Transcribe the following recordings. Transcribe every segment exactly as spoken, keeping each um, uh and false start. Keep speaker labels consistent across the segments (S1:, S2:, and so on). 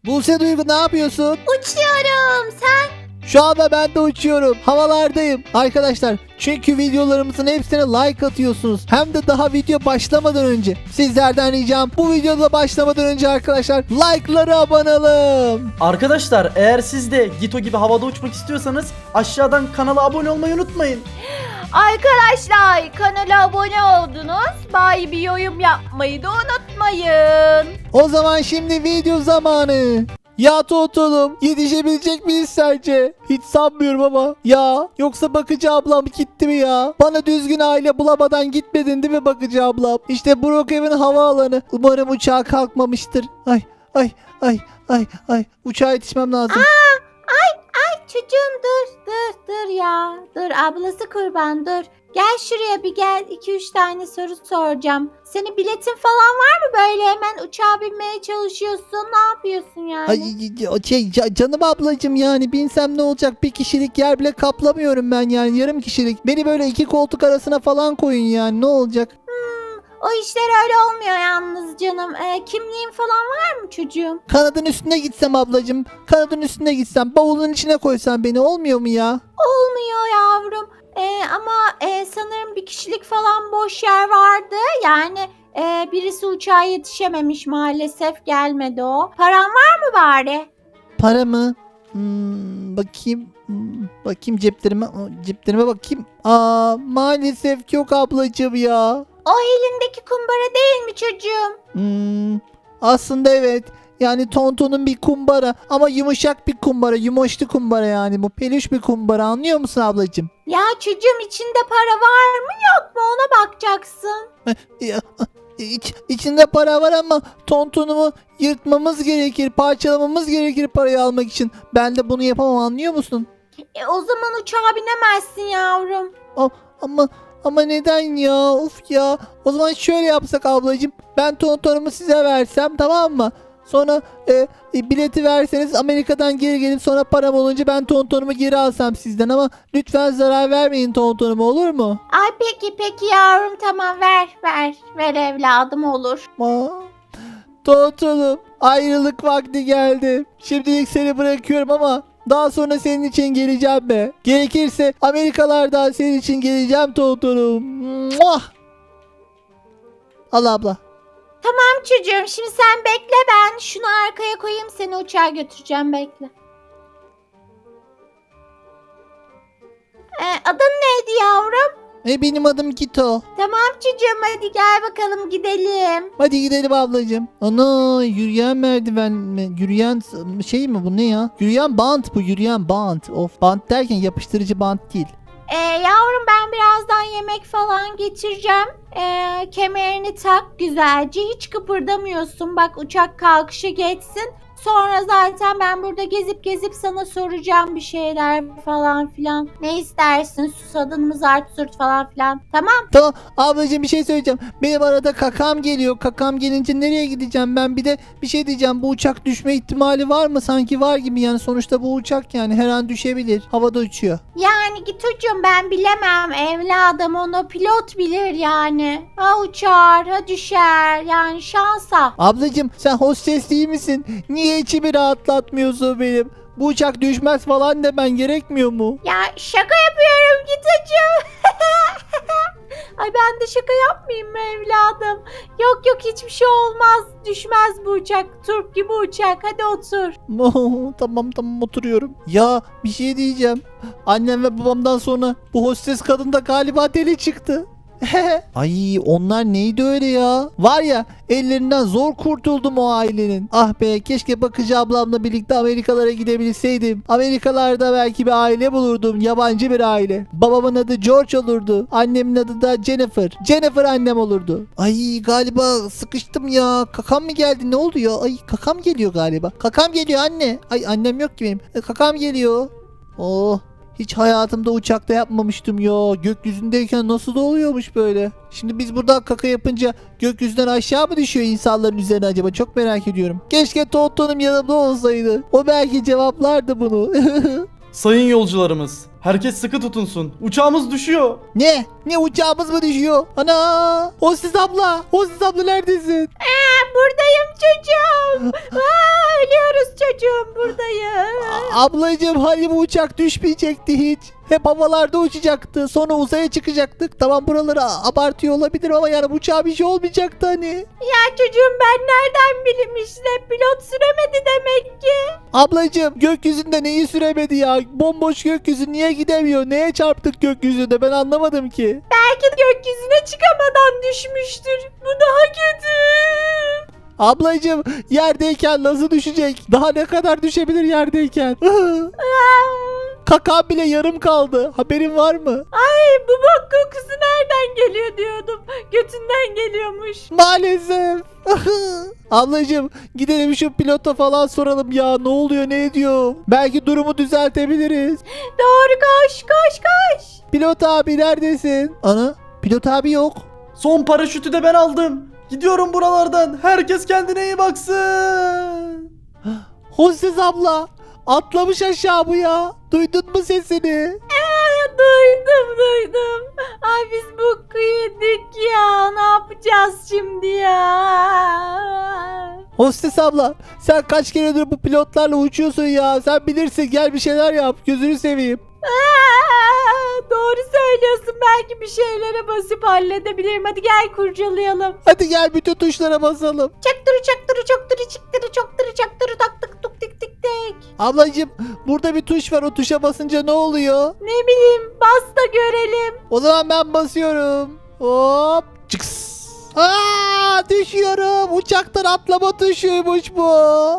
S1: Buse Duygu ne yapıyorsun?
S2: Uçuyorum. Sen?
S1: Şu anda ben de uçuyorum. Havalardayım. Arkadaşlar çünkü videolarımızın hepsine like atıyorsunuz. Hem de daha video başlamadan önce. Sizlerden ricam bu videoda başlamadan önce arkadaşlar like'ları abanalım.
S3: Arkadaşlar eğer siz de Gito gibi havada uçmak istiyorsanız aşağıdan kanala abone olmayı unutmayın.
S2: Arkadaşlar kanala abone oldunuz. Bari bir yorum yapmayı da unutmayın.
S1: O zaman şimdi video zamanı. Ya Toto'num yetişebilecek miyiz sence? Hiç sanmıyorum ama. Ya yoksa bakıcı ablam gitti mi ya? Bana düzgün aile bulamadan gitmedin değil mi bakıcı ablam? İşte Brookhaven havaalanı. Umarım uçağa kalkmamıştır. Ay ay ay ay ay. Uçağa yetişmem lazım.
S2: Aa, ay ay çocuğum dur dur dur ya. Dur ablası kurban dur. Gel şuraya bir gel. iki üç tane soru soracağım. Senin biletin falan var mı böyle hemen uçağa binmeye çalışıyorsun? Ne yapıyorsun yani?
S1: Ay, şey, ca- canım ablacım yani binsem ne olacak? Bir kişilik yer bile kaplamıyorum ben yani yarım kişilik. Beni böyle iki koltuk arasına falan koyun yani ne olacak?
S2: O işler öyle olmuyor yalnız canım. Ee, kimliğin falan var mı çocuğum?
S1: Kanadın üstüne gitsem ablacım. Kanadın üstüne gitsem bavulun içine koysan beni olmuyor mu ya?
S2: Olmuyor yavrum. Ee, ama e, sanırım bir kişilik falan boş yer vardı. Yani e, birisi uçağa yetişememiş maalesef gelmedi o. Paran var mı bari?
S1: Para mı? Hmm, bakayım. Hmm, bakayım ceplerime. Aa, Ceplerime bakayım. Aa, maalesef yok ablacığım ya.
S2: O elindeki kumbara değil mi çocuğum?
S1: Hmm, aslında evet. Yani Tonton'un bir kumbara ama yumuşak bir kumbara, yumoşlu kumbara yani bu peluş bir kumbara anlıyor musun ablacığım?
S2: Ya çocuğum içinde para var mı yok mu ona bakacaksın.
S1: Ya, iç, içinde para var ama Tonton'umu yırtmamız gerekir, parçalamamız gerekir parayı almak için. Ben de bunu yapamam anlıyor musun?
S2: E, o zaman uçağa binemezsin yavrum.
S1: A- ama ama neden ya? Of ya. O zaman şöyle yapsak ablacığım. Ben Tonton'umu size versem tamam mı? Sonra e, e, bileti verseniz Amerika'dan geri gelip sonra param olunca ben Tonton'umu geri alsam sizden ama lütfen zarar vermeyin Tonton'uma olur mu?
S2: Ay peki peki yavrum tamam ver ver ver evladım olur.
S1: Aa, Tonton'um ayrılık vakti geldi. Şimdilik seni bırakıyorum ama daha sonra senin için geleceğim be. Gerekirse Amerikalardan senin için geleceğim Tonton'um. Muah! Al abla.
S2: Tamam çocuğum şimdi sen bekle ben şunu arkaya koyayım seni uçağa götüreceğim bekle. Ee, adın neydi yavrum?
S1: E benim adım Gito.
S2: Tamam çocuğum hadi gel bakalım gidelim.
S1: Hadi gidelim ablacığım. Ana yürüyen merdiven mi? Yürüyen s- şey mi bu ne ya? Yürüyen bant bu yürüyen bant. Of bant derken yapıştırıcı bant değil.
S2: Ee, yavrum ben birazdan yemek falan getireceğim. Ee, kemerini tak güzelce hiç kıpırdamıyorsun bak uçak kalkışı geçsin. Sonra zaten ben burada gezip gezip sana soracağım bir şeyler falan filan. Ne istersin susadın mı zart zurt falan filan. Tamam.
S1: Tamam ablacığım bir şey söyleyeceğim. Benim arada kakam geliyor. Kakam gelince nereye gideceğim ben? Bir de bir şey diyeceğim. Bu uçak düşme ihtimali var mı? Sanki var gibi yani. Sonuçta bu uçak yani her an düşebilir. Havada uçuyor.
S2: Yani git ucum ben bilemem evladım onu pilot bilir yani. Ha uçar ha düşer yani şansa.
S1: Ablacığım sen hostes değil misin? Niye içimi rahatlatmıyorsun benim? Bu uçak düşmez falan demen gerekmiyor mu?
S2: Ya şaka yapıyorum git ucum. Ay ben de şaka yapmayayım mı evladım? Yok yok hiçbir şey olmaz. Düşmez bu uçak. Turp gibi uçak. Hadi otur.
S1: Oh, tamam tamam oturuyorum. Ya bir şey diyeceğim. Annem ve babamdan sonra bu hostes kadın da galiba deli çıktı. Ay onlar neydi öyle ya? Var ya ellerinden zor kurtuldum o ailenin. Ah be keşke bakıcı ablamla birlikte Amerikalara gidebilseydim. Amerikalarda belki bir aile bulurdum. Yabancı bir aile. Babamın adı George olurdu. Annemin adı da Jennifer. Jennifer annem olurdu. Ay galiba sıkıştım ya. Kakam mı geldi? Ne oldu ya? Ay kakam geliyor galiba. Kakam geliyor anne. Ay annem yok ki benim. E, kakam geliyor. Oh. Hiç hayatımda uçakta yapmamıştım ya. Gökyüzündeyken nasıl da oluyormuş böyle. Şimdi biz burada kaka yapınca gökyüzünden aşağı mı düşüyor insanların üzerine acaba? Çok merak ediyorum. Keşke Tonton'um yanımda olsaydı. O belki cevaplardı bunu.
S3: Sayın yolcularımız, herkes sıkı tutunsun. Uçağımız düşüyor.
S1: Ne? Ne uçağımız mı düşüyor? Ana! Hostes abla! Hostes abla neredesin?
S2: Aa, buradayım çocuğum. Aa, ölüyoruz ben buradayım.
S1: A- Ablacığım hani bu uçak düşmeyecekti hiç. Hep havalarda uçacaktı. Sonra uzaya çıkacaktık. Tamam buraları a- abartıyor olabilir ama yani bu uçağa bir şey olmayacaktı hani.
S2: Ya çocuğum ben nereden bileyim işte pilot süremedi demek ki.
S1: Ablacığım gökyüzünde neyi süremedi ya? Bomboş gökyüzü niye gidemiyor? Neye çarptık gökyüzünde ben anlamadım ki.
S2: Belki gökyüzüne çıkamadan düşmüştür. Bu daha kötü.
S1: Ablacığım yerdeyken nasıl düşecek? Daha ne kadar düşebilir yerdeyken? Kakam bile yarım kaldı. Haberin var mı?
S2: Ay bu bok kokusu nereden geliyor diyordum. Götünden geliyormuş.
S1: Maalesef. Ablacığım gidelim şu pilota falan soralım ya. Ne oluyor ne ediyor? Belki durumu düzeltebiliriz.
S2: Doğru koş koş koş.
S1: Pilot abi neredesin? Ana pilot abi yok.
S3: Son paraşütü de ben aldım. Gidiyorum buralardan. Herkes kendine iyi baksın.
S1: Hostes abla atlamış aşağı bu ya. Duydun mu sesini?
S2: Aa, duydum duydum. Ay biz bu yedik ya. Ne yapacağız şimdi ya?
S1: Hostes abla sen kaç keredir bu pilotlarla uçuyorsun ya. Sen bilirsin gel bir şeyler yap. Gözünü seveyim.
S2: Aa, doğru söylüyorsun. Belki bir şeylere basıp halledebilirim. Hadi gel kurcalayalım.
S1: Hadi gel bütün tuşlara basalım.
S2: Çaktırı çaktırı çaktırı çıktırı çaktırı çaktırı taktık tuk tik tik tik.
S1: Ablacığım burada bir tuş var. O tuşa basınca ne oluyor?
S2: Ne bileyim bas da görelim.
S1: O zaman ben basıyorum. Hop. Çıks. Aa, düşüyorum. Uçaktan atlama tuşuymuş bu.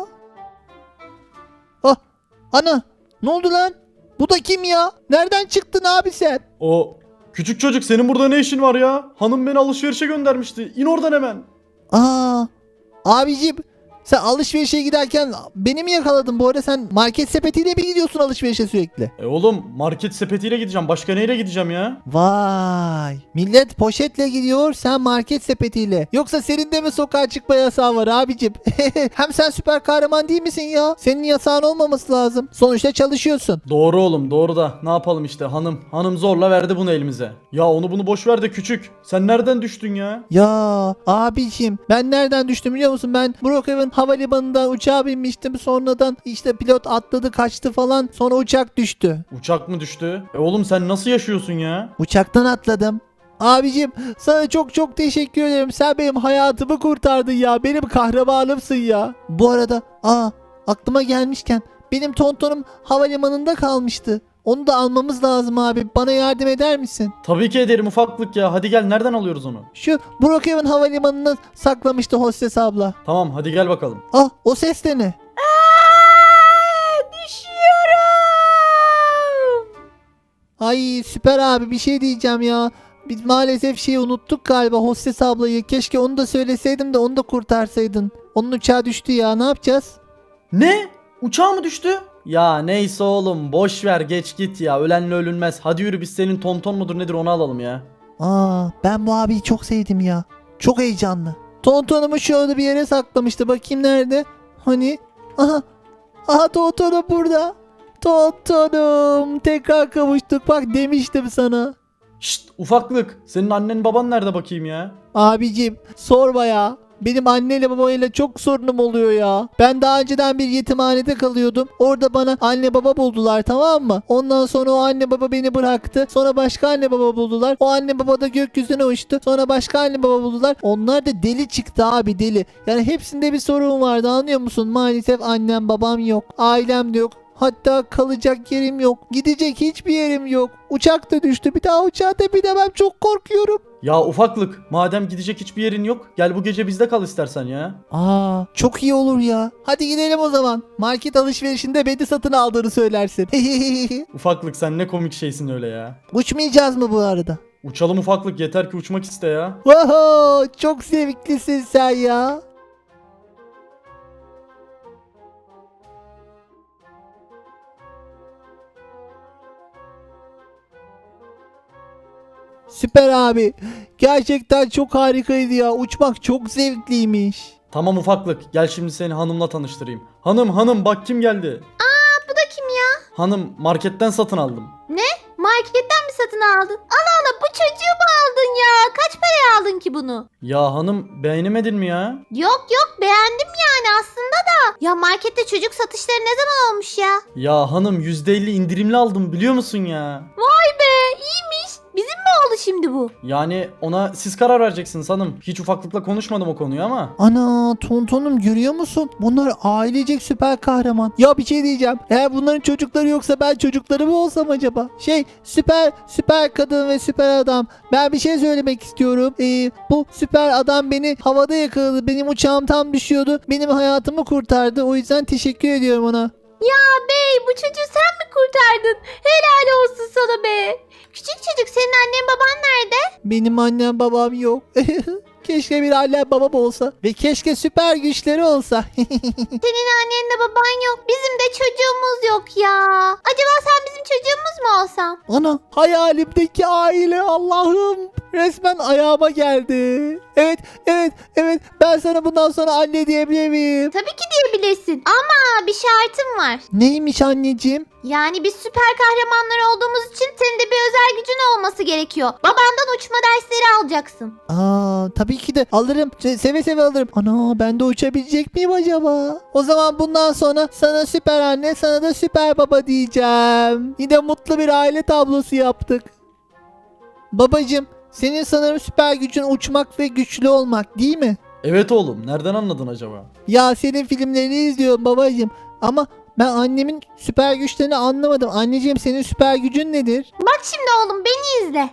S1: Ah, ana. Ne oldu lan? Bu da kim ya? Nereden çıktın abi sen?
S3: O küçük çocuk senin burada ne işin var ya? Hanım beni alışverişe göndermişti. İn oradan hemen.
S1: Aa, abicim sen alışverişe giderken beni mi yakaladın? Bu arada sen market sepetiyle mi gidiyorsun alışverişe sürekli?
S3: E oğlum market sepetiyle gideceğim. Başka neyle gideceğim ya?
S1: Vay. Millet poşetle gidiyor sen market sepetiyle. Yoksa senin de mi sokağa çıkma yasağı var abicim? Hem sen süper kahraman değil misin ya? Senin yasağın olmaması lazım. Sonuçta çalışıyorsun.
S3: Doğru oğlum doğru da ne yapalım işte hanım. Hanım zorla verdi bunu elimize. Ya onu bunu boş ver de küçük. Sen nereden düştün ya?
S1: Ya abicim ben nereden düştüm biliyor musun? Ben Brookhaven havalimanından uçağa binmiştim. Sonradan işte pilot atladı kaçtı falan. Sonra uçak düştü.
S3: Uçak mı düştü? E oğlum sen nasıl yaşıyorsun ya?
S1: Uçaktan atladım. Abicim sana çok çok teşekkür ederim. Sen benim hayatımı kurtardın ya. Benim kahramanımsın ya. Bu arada aa aklıma gelmişken benim tontonum havalimanında kalmıştı. Onu da almamız lazım abi. Bana yardım eder misin?
S3: Tabii ki ederim ufaklık ya. Hadi gel nereden alıyoruz onu?
S1: Şu Brookhaven havalimanına saklamıştı hostes abla.
S3: Tamam hadi gel bakalım.
S1: Ah o ses de ne?
S2: Aa, düşüyorum.
S1: Ay süper abi bir şey diyeceğim ya. Biz maalesef şeyi unuttuk galiba hostes ablayı. Keşke onu da söyleseydim de onu da kurtarsaydın. Onun uçağı düştü ya ne yapacağız?
S3: Ne? Uçağı mı düştü? Ya neyse oğlum boş ver geç git ya. Ölenle ölünmez. Hadi yürü biz senin tonton mudur nedir onu alalım ya.
S1: Aa ben bu abiyi çok sevdim ya. Çok heyecanlı. Tontonumu şöyle bir yere saklamıştı. Bakayım nerede? Hani? Aha. Aha tontonum burada. Tontonum. Tekrar kavuştuk. Bak demiştim sana.
S3: Şşt ufaklık. Senin annen baban nerede bakayım ya?
S1: Abicim sorma ya. Benim anneyle babayla çok sorunum oluyor ya. Ben daha önceden bir yetimhanede kalıyordum. Orada bana anne baba buldular tamam mı? Ondan sonra o anne baba beni bıraktı. Sonra başka anne baba buldular. O anne baba da gökyüzüne uçtu. Sonra başka anne baba buldular. Onlar da deli çıktı abi deli. Yani hepsinde bir sorun vardı anlıyor musun? Maalesef annem babam yok. Ailem de yok. Hatta kalacak yerim yok. Gidecek hiçbir yerim yok. Uçak da düştü. Bir daha uçağa da binemem. Çok korkuyorum.
S3: Ya ufaklık madem gidecek hiçbir yerin yok gel bu gece bizde kal istersen ya.
S1: Aa, çok iyi olur ya. Hadi gidelim o zaman. Market alışverişinde beni satın aldığını söylersin.
S3: Ufaklık sen ne komik şeysin öyle ya.
S1: Uçmayacağız mı bu arada?
S3: Uçalım ufaklık yeter ki uçmak iste ya.
S1: Oho, çok zevklisin sen ya. Süper abi. Gerçekten çok harikaydı ya. Uçmak çok zevkliymiş.
S3: Tamam ufaklık gel şimdi seni hanımla tanıştırayım. Hanım hanım bak kim geldi.
S2: Bu da kim ya?
S3: Hanım marketten satın aldım.
S2: Marketten mi satın aldın? Allah Allah bu çocuğu mu aldın ya? Kaç paraya aldın ki bunu?
S3: Ya hanım beğenemedin mi ya?
S2: Yok yok beğendim yani aslında da. Ya markette çocuk satışları ne zaman olmuş ya?
S3: Ya hanım yüzde elli indirimli aldım biliyor musun ya?
S2: Vay be iyiymiş. Bizim mi oldu şimdi bu?
S3: Yani ona siz karar vereceksiniz hanım. Hiç ufaklıkla konuşmadım o konuyu ama.
S1: Ana Tonton'um görüyor musun? Bunlar ailecek süper kahraman. Ya bir şey diyeceğim. Eğer bunların çocukları yoksa ben çocukları mı olsam acaba? Şey süper süper kadın ve süper adam. Ben bir şey söylemek istiyorum. Ee, bu süper adam beni havada yakaladı. Benim uçağım tam düşüyordu. Benim hayatımı kurtardı. O yüzden teşekkür ediyorum ona.
S2: Ya bey bu çocuğu sen mi kurtardın? Helal olsun sana be. Küçük çocuk senin annen baban nerede?
S1: Benim annem babam yok. Keşke bir annem babam olsa. Ve keşke süper güçleri olsa.
S2: Senin annenle baban yok. Bizim de çocuğumuz yok ya. Acaba sen bizim çocuğumuz mu olsan?
S1: Ana hayalimdeki aile Allah'ım resmen ayağıma geldi. Evet evet evet ben sana bundan sonra anne diyebilir miyim?
S2: Tabii ki diyebilirsin. Ama bir şartım var.
S1: Neymiş anneciğim?
S2: Yani biz süper kahramanlar olduğumuz için senin de bir özel gücün olması gerekiyor. Babandan uçma dersleri alacaksın.
S1: Aa tabii ki de alırım. Se- Seve seve alırım. Ana ben de uçabilecek miyim acaba? O zaman bundan sonra sana süper anne sana da süper baba diyeceğim. Yine mutlu bir aile tablosu yaptık. Babacım senin sanırım süper gücün uçmak ve güçlü olmak değil mi?
S3: Evet oğlum nereden anladın acaba?
S1: Ya senin filmlerini izliyorum babacım. Ama ben annemin süper güçlerini anlamadım. Anneciğim senin süper gücün nedir?
S2: Bak şimdi oğlum beni izle.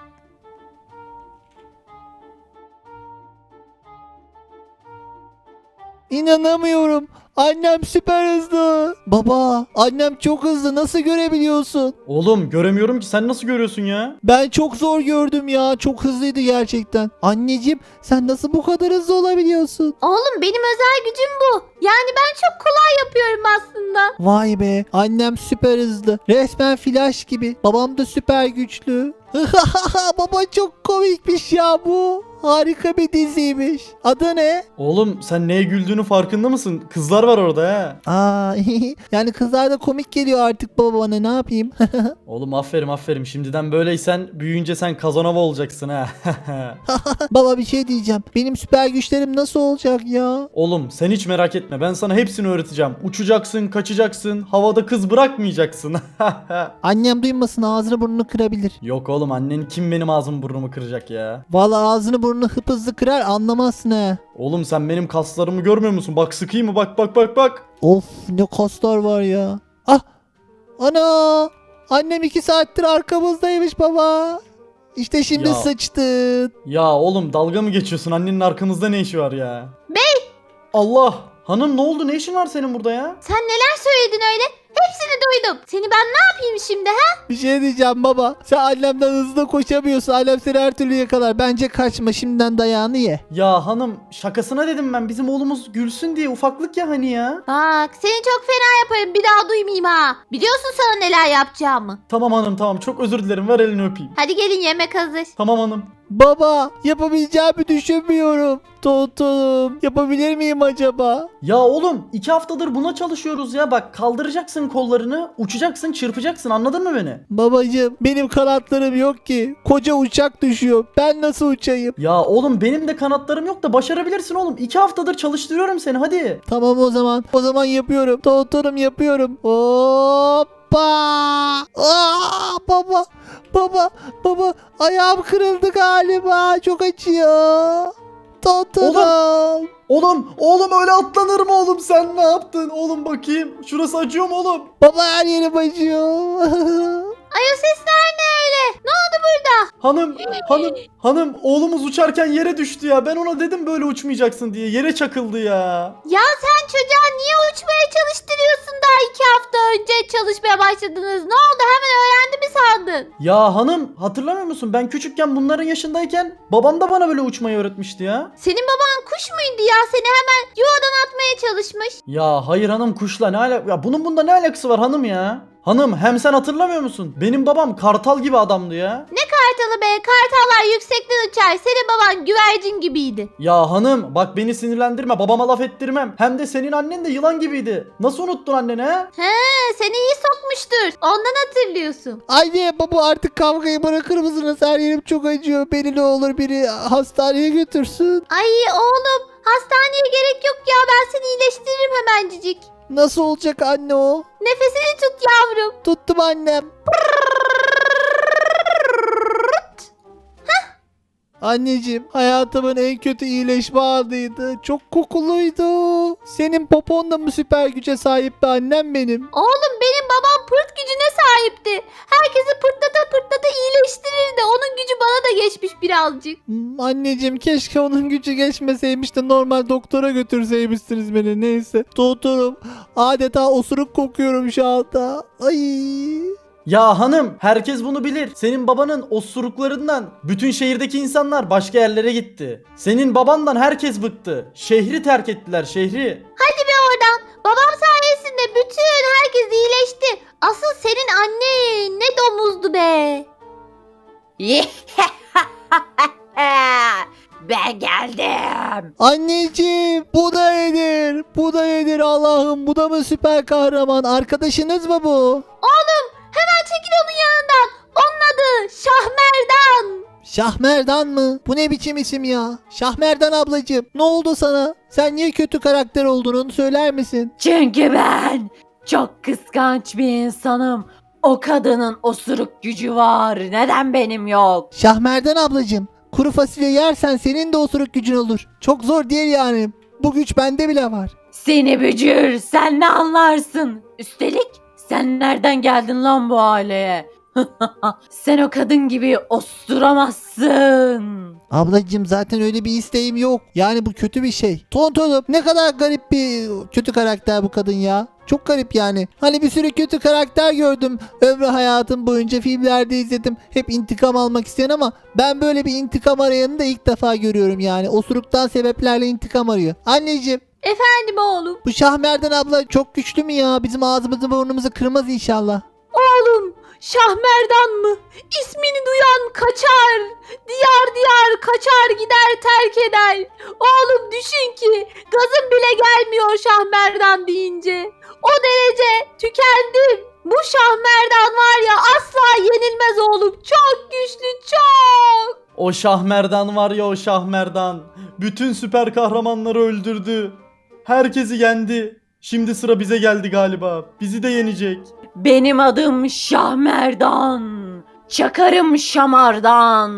S1: İnanamıyorum. Annem süper hızlı. Baba, annem çok hızlı. Nasıl görebiliyorsun?
S3: Oğlum göremiyorum ki sen nasıl görüyorsun ya?
S1: Ben çok zor gördüm ya. Çok hızlıydı gerçekten. Anneciğim, sen nasıl bu kadar hızlı olabiliyorsun?
S2: Oğlum benim özel gücüm bu. Yani ben çok kolay yapıyorum aslında.
S1: Vay be, annem süper hızlı. Resmen flash gibi. Babam da süper güçlü. Baba çok komikmiş ya bu. Harika bir diziymiş. Adı ne?
S3: Oğlum sen neye güldüğünü farkında mısın? Kızlar var orada ha.
S1: Aa, yani kızlar da komik geliyor artık baba bana ne yapayım?
S3: Oğlum aferin aferin. Şimdiden böyleysen büyüyünce sen Kazanova olacaksın ha.
S1: Baba bir şey diyeceğim. Benim süper güçlerim nasıl olacak ya?
S3: Oğlum sen hiç merak etme. Ben sana hepsini öğreteceğim. Uçacaksın, kaçacaksın, havada kız bırakmayacaksın.
S1: Annem duymasın ağzını burnunu kırabilir.
S3: Yok oğlum annen kim benim ağzımı burnumu kıracak ya?
S1: Vallahi ağzını burnunu hıp hızlı kırar anlamazsın he.
S3: Oğlum sen benim kaslarımı görmüyor musun? Bak sıkayım mı? Bak bak bak bak.
S1: Of ne kaslar var ya. Ah ana annem iki saattir arkamızdaymış baba. İşte şimdi
S3: Ya.
S1: sıçtın.
S3: Ya oğlum dalga mı geçiyorsun? Annenin arkamızda ne işi var ya?
S2: Bey!
S3: Allah! Hanım ne oldu? Ne işin var senin burada ya?
S2: Sen neler söyledin öyle? Hepsini duydum. Seni ben ne yapayım şimdi ha?
S1: Bir şey diyeceğim baba. Sen annemden hızlı koşamıyorsun. Annem seni her türlü yakalar. Bence kaçma şimdiden dayağını ye.
S3: Ya hanım şakasına dedim ben. Bizim oğlumuz gülsün diye ufaklık ya hani ya.
S2: Bak seni çok fena yaparım bir daha duymayayım ha. Biliyorsun sana neler yapacağımı.
S3: Tamam hanım tamam çok özür dilerim. Ver elini öpeyim.
S2: Hadi gelin yemek hazır.
S3: Tamam hanım.
S1: Baba yapabileceğimi düşünmüyorum. Tontonum yapabilir miyim acaba?
S3: Ya oğlum iki haftadır buna çalışıyoruz ya. Bak kaldıracaksın kollarını, uçacaksın, çırpacaksın anladın mı beni?
S1: Babacığım benim kanatlarım yok ki. Koca uçak düşüyor. Ben nasıl uçayım?
S3: Ya oğlum benim de kanatlarım yok da başarabilirsin oğlum. iki haftadır çalıştırıyorum seni hadi.
S1: Tamam o zaman. O zaman yapıyorum. Tontonum yapıyorum. Hoppa! Aa, baba! Baba! Baba! Ayağım kırıldı galiba. Çok acıyor. Tontonum.
S3: Oğlum, oğlum öyle atlanır mı oğlum sen ne yaptın? Oğlum bakayım. Şurası acıyor mu oğlum?
S1: Baba her yerim acıyor.
S2: Ay o sesler ne öyle? Ne oldu burada?
S3: Hanım, hanım, hanım oğlumuz uçarken yere düştü ya. Ben ona dedim böyle uçmayacaksın diye. Yere çakıldı ya.
S2: Ya sen çocuğa niye uçmaya çalıştırıyorsun daha iki hafta önce çalışmaya başladınız? Ne oldu hemen öğrendi mi sandın?
S3: Ya hanım hatırlamıyor musun? Ben küçükken bunların yaşındayken babam da bana böyle uçmayı öğretmişti ya.
S2: Senin baban kuş muydu ya? Seni hemen yuvadan atmaya çalışmış.
S3: Ya hayır hanım kuşla ne alakası? Ya bunun bunda ne alakası var hanım ya? Hanım hem sen hatırlamıyor musun? Benim babam kartal gibi adamdı ya.
S2: Ne kartalı be? Kartallar yüksekten uçar. Senin baban güvercin gibiydi.
S3: Ya hanım bak beni sinirlendirme, babama laf ettirmem. Hem de senin annen de yılan gibiydi. Nasıl unuttun anneni he?
S2: He, seni iyi sokmuştur. Ondan hatırlıyorsun.
S1: Anne baba artık kavgayı bırakır mısınız? Her yerim çok acıyor. Beni ne olur biri hastaneye götürsün.
S2: Ay oğlum, hastaneye gerek yok ya. Ben seni iyileştiririm hemencik.
S1: Nasıl olacak anne o?
S2: Nefesini tut yavrum.
S1: Tuttum annem. Anneciğim hayatımın en kötü iyileşme anıydı. Çok kokuluydu. Senin popon da mı süper güce sahipti annem benim?
S2: Oğlum benim babam pırt gücüne sahipti. Herkesi pırtlata pırtlata iyileştirirdi. Onun gücü bana da geçmiş birazcık.
S1: Hmm, anneciğim keşke onun gücü geçmeseymiş de normal doktora götürseymişsiniz beni. Neyse. Doktorum adeta osuruk kokuyorum şu anda. Ay.
S3: Ya hanım herkes bunu bilir. Senin babanın osuruklarından bütün şehirdeki insanlar başka yerlere gitti. Senin babandan herkes bıktı. Şehri terk ettiler, şehri.
S2: Hadi be oradan. Babam sayesinde bütün herkes iyileşti. Asıl senin annen ne domuzdu be. Ben geldim.
S1: Anneciğim bu da nedir? Bu da nedir Allah'ım? Bu da mı süper kahraman? Arkadaşınız mı bu?
S2: Oğlum hemen çekil onun yanından. Onun adı Şahmerdan.
S1: Şahmerdan mı? Bu ne biçim isim ya? Şahmerdan ablacığım ne oldu sana? Sen niye kötü karakter olduğunu söyler misin?
S4: Çünkü ben çok kıskanç bir insanım. O kadının osuruk gücü var. Neden benim yok?
S1: Şahmerdan ablacığım kuru fasulye yersen senin de osuruk gücün olur. Çok zor değil yani. Bu güç bende bile var.
S4: Seni bücür, sen ne anlarsın? Üstelik sen nereden geldin lan bu aileye? Sen o kadın gibi osturamazsın.
S1: Ablacığım zaten öyle bir isteğim yok. Yani bu kötü bir şey. Tontonum ne kadar garip bir kötü karakter bu kadın ya. Çok garip yani. Hani bir sürü kötü karakter gördüm. Ömrü hayatım boyunca filmlerde izledim. Hep intikam almak isteyen ama ben böyle bir intikam arayanı da ilk defa görüyorum yani. Osuruktan sebeplerle intikam arıyor. Anneciğim
S2: Efendim oğlum.
S1: bu Şahmerdan abla çok güçlü mü ya? Bizim ağzımızı burnumuzu kırmaz inşallah.
S2: Oğlum Şahmerdan mı? İsmini duyan kaçar. Diyar diyar kaçar gider terk eder. Oğlum düşün ki gazım bile gelmiyor Şahmerdan deyince. O derece tükendim. Bu Şahmerdan var ya asla yenilmez oğlum. Çok güçlü çok.
S3: O Şahmerdan var ya, o Şahmerdan. Bütün süper kahramanları öldürdü. Herkesi yendi. Şimdi sıra bize geldi galiba. Bizi de yenecek.
S4: Benim adım Şahmerdan. Çakarım şamardan.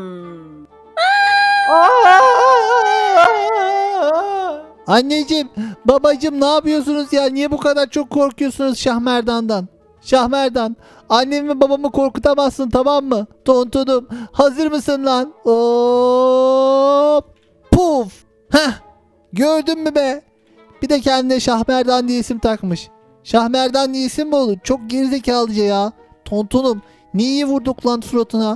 S1: Anneciğim, babacığım ne yapıyorsunuz ya? Niye bu kadar çok korkuyorsunuz Şahmerdan'dan? Şahmerdan, annemi ve babamı korkutamazsın tamam mı? Tontonum, hazır mısın lan? Hop! Puf! Heh! Gördün mü be? Bir de kendine Şahmerdan diye isim takmış. Şahmerdan diye isim mi olur? Çok gerizekalıca ya. Tontonum, niye vurduk lan suratına?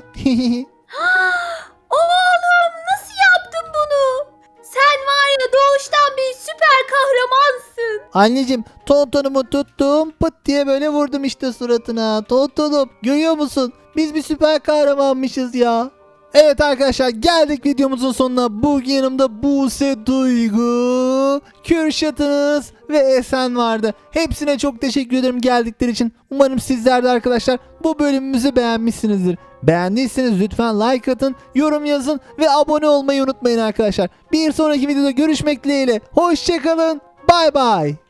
S2: Oğlum nasıl yaptın bunu? Sen var ya doğuştan bir süper kahramansın.
S1: Anneciğim Tontonumu tuttum pıt diye böyle vurdum işte suratına. Tontonum görüyor musun? Biz bir süper kahramanmışız ya. Evet arkadaşlar geldik videomuzun sonuna. Bugün yanımda Buse, Duygu, Kürşat'ınız ve Esen vardı. Hepsine çok teşekkür ederim geldikleri için. Umarım sizler de arkadaşlar bu bölümümüzü beğenmişsinizdir. Beğendiyseniz lütfen like atın, yorum yazın ve abone olmayı unutmayın arkadaşlar. Bir sonraki videoda görüşmek dileğiyle. Hoşçakalın. Bay bay.